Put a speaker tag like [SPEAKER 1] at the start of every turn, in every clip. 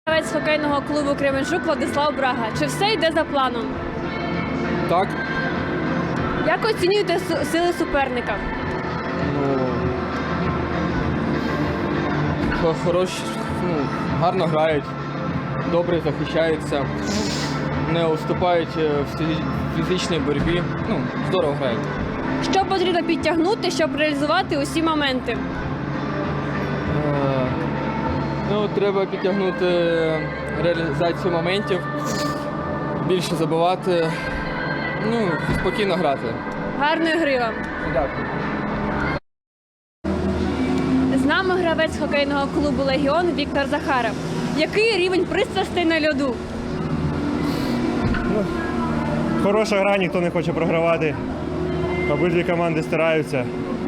[SPEAKER 1] Гравець хокейного клубу Кременчук Владислав Брага. Чи все йде за планом?
[SPEAKER 2] Так.
[SPEAKER 1] Як оцінюєте сили суперника?
[SPEAKER 2] Хороші, гарно грають, добре захищаються, не уступають в фізичній боротьбі. Здорово грають.
[SPEAKER 1] Що потрібно підтягнути, щоб реалізувати усі моменти?
[SPEAKER 2] Треба підтягнути реалізацію моментів, більше забивати, спокійно грати.
[SPEAKER 1] Гарної гри вам!
[SPEAKER 2] Дякую.
[SPEAKER 1] З нами гравець хокейного клубу «Легіон» Віктор Захаров. Який рівень пристрастей на льоду?
[SPEAKER 3] Хороша гра, ніхто не хоче програвати. Обидві команди стараються.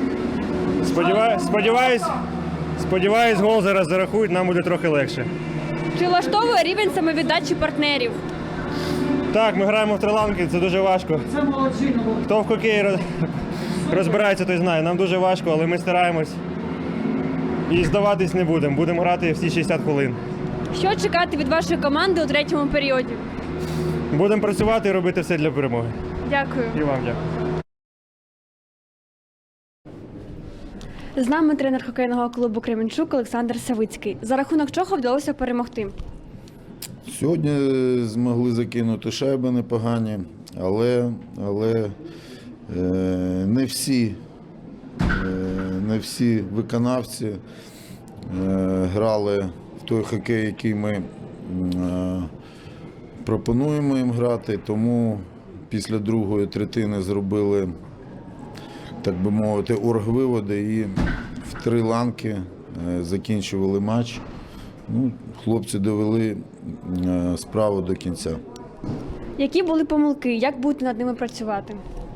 [SPEAKER 3] Сподіваюсь, гол зараз зарахують, нам буде трохи легше.
[SPEAKER 1] Чи влаштовує рівень самовіддачі партнерів?
[SPEAKER 3] Так, ми граємо в триланки, це дуже важко. Хто в хокеї розбирається, той знає. Нам дуже важко, але ми стараємось. І здаватись не будемо. Будемо грати всі 60 хвилин.
[SPEAKER 1] Що чекати від вашої команди у третьому періоді?
[SPEAKER 3] Будемо працювати і робити все для перемоги.
[SPEAKER 1] Дякую.
[SPEAKER 3] І вам дякую.
[SPEAKER 1] З нами тренер хокейного клубу Кременчук Олександр Савицький. За рахунок чого вдалося перемогти?
[SPEAKER 4] Сьогодні змогли закинути шайби непогані, але не всі виконавці грали в той хокей, який ми пропонуємо їм грати, тому після другої третини зробили, так би мовити, оргвиводи і в 3 ланки закінчували матч. Хлопці довели справу до кінця.
[SPEAKER 1] Які були помилки? Як будете над ними працювати?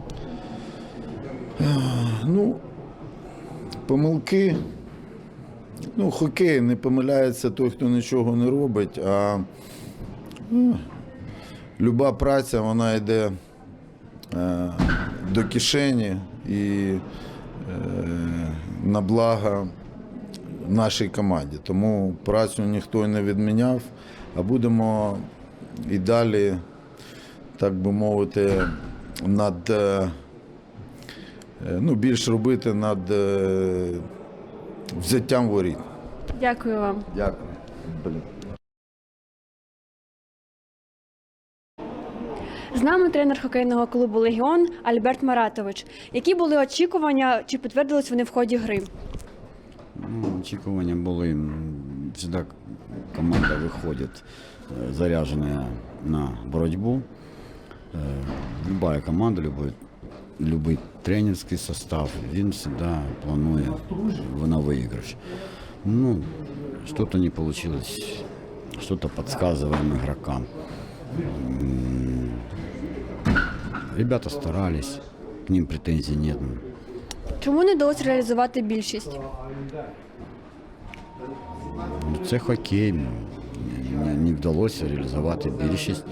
[SPEAKER 4] Помилки. Хокей, не помиляється той, хто нічого не робить, а люба праця, вона йде до кишені і на благо нашій команді. Тому працю ніхто не відміняв, а будемо і далі, так би мовити, більш робити над взяттям воріт.
[SPEAKER 1] Дякую вам.
[SPEAKER 4] Дякую.
[SPEAKER 1] З нами тренер хокейного клубу «Легіон» Альберт Маратович. Які були очікування, чи підтвердились вони в ході гри?
[SPEAKER 5] Очікування були. Завжди команда виходить заряджена на боротьбу. Любая команда, любой тренерский состав, він завжди планує на выигрыш. Что-то не получилось, что-то подсказываем игрокам. Ребята старались, к ним претензий нет.
[SPEAKER 1] Чому не вдалося реалізувати більшість?
[SPEAKER 5] Це хокей, не вдалося реалізувати більшість.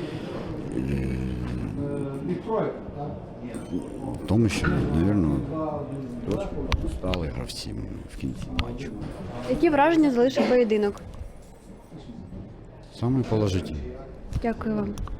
[SPEAKER 5] В тому, що, мабуть, трошки стали гравці в кінці матчу.
[SPEAKER 1] Які враження залишив поєдинок?
[SPEAKER 5] Саме положительне.
[SPEAKER 1] Дякую вам.